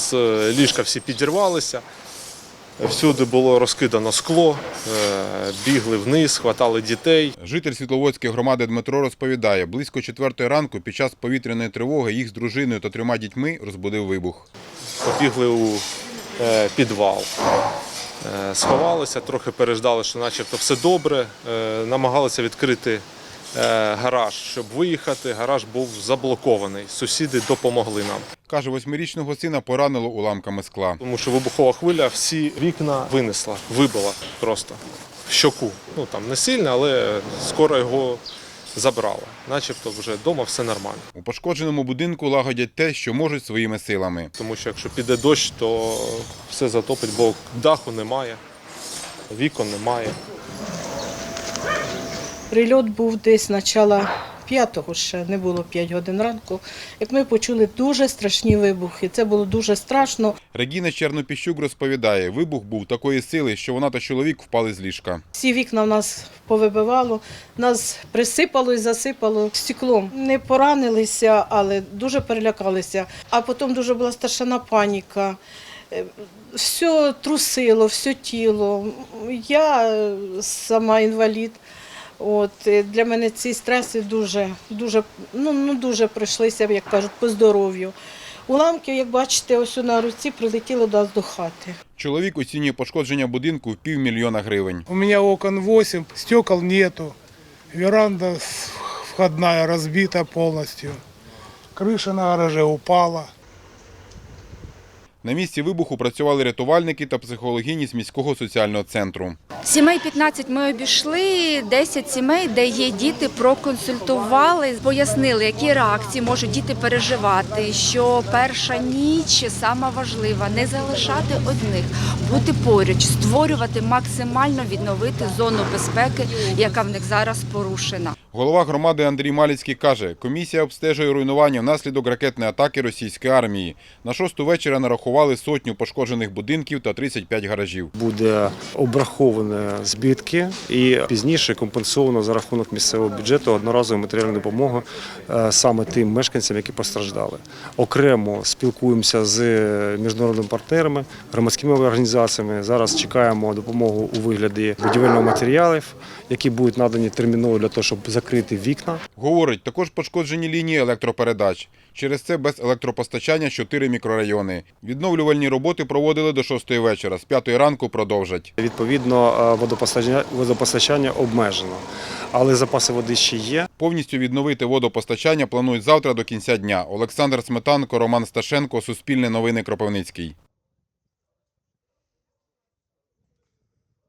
нас ліжка всі підірвалися, всюди було розкидано скло, бігли вниз, хватали дітей. Житель Світловодської громади Дмитро розповідає, близько 4-ї ранку під час повітряної тривоги їх з дружиною та 3 дітьми розбудив вибух. Побігли у підвал, сховалися, трохи переждали, що начебто все добре, намагалися відкрити гараж, щоб виїхати. Гараж був заблокований, сусіди допомогли нам. Каже, 8-річного сина поранило уламками скла. Тому що вибухова хвиля всі вікна винесла, вибила просто в щоку. Ну там не сильно, але скоро його забрала. Начебто вже вдома все нормально. У пошкодженому будинку лагодять те, що можуть своїми силами. Тому що якщо піде дощ, то все затопить, бо даху немає, вікон немає. Прильот був десь начало 5-го, ще не було 5 годин ранку, як ми почули дуже страшні вибухи. Це було дуже страшно. Регіна Чернопіщук розповідає, вибух був такої сили, що вона та чоловік впали з ліжка. Всі вікна в нас повибивало, нас присипало і засипало стеклом. Не поранилися, але дуже перелякалися. А потім дуже була страшна паніка. Все трусило, все тіло. Я сама інвалід. Для мене ці стреси дуже пройшлися, як кажуть, по здоров'ю. Уламки, як бачите, ось на руці прилетіли до нас до хати. Чоловік оцінює пошкодження будинку в $500 000 гривень. У меня окон 8, стекол нету, веранда входная разбита полностью, крыша на гараже упала. На місці вибуху працювали рятувальники та психологині з міського соціального центру. Сімей 15 ми обійшли, 10 сімей, де є діти, проконсультували, пояснили, які реакції можуть діти переживати, що перша ніч сама важлива, не залишати одних, бути поруч, створювати, максимально відновити зону безпеки, яка в них зараз порушена. Голова громади Андрій Маліцький каже, комісія обстежує руйнування внаслідок ракетної атаки російської армії. На 6-ту вечора нарахували 100 пошкоджених будинків та 35 гаражів. Буде обраховані збитки і пізніше компенсовано за рахунок місцевого бюджету одноразову матеріальну допомогу саме тим мешканцям, які постраждали. Окремо спілкуємося з міжнародними партнерами, громадськими організаціями. Зараз чекаємо допомогу у вигляді будівельних матеріалів, які будуть надані терміново для того, щоб закрити вікна. Говорить, також пошкоджені лінії електропередач. Через це без електропостачання 4 мікрорайони. Відновлювальні роботи проводили до 6-ї вечора, з 5-ї ранку продовжать. Відповідно, водопостачання обмежено, але запаси води ще є. Повністю відновити водопостачання планують завтра до кінця дня. Олександр Сметанко, Роман Сташенко, Суспільне новини, Кропивницький.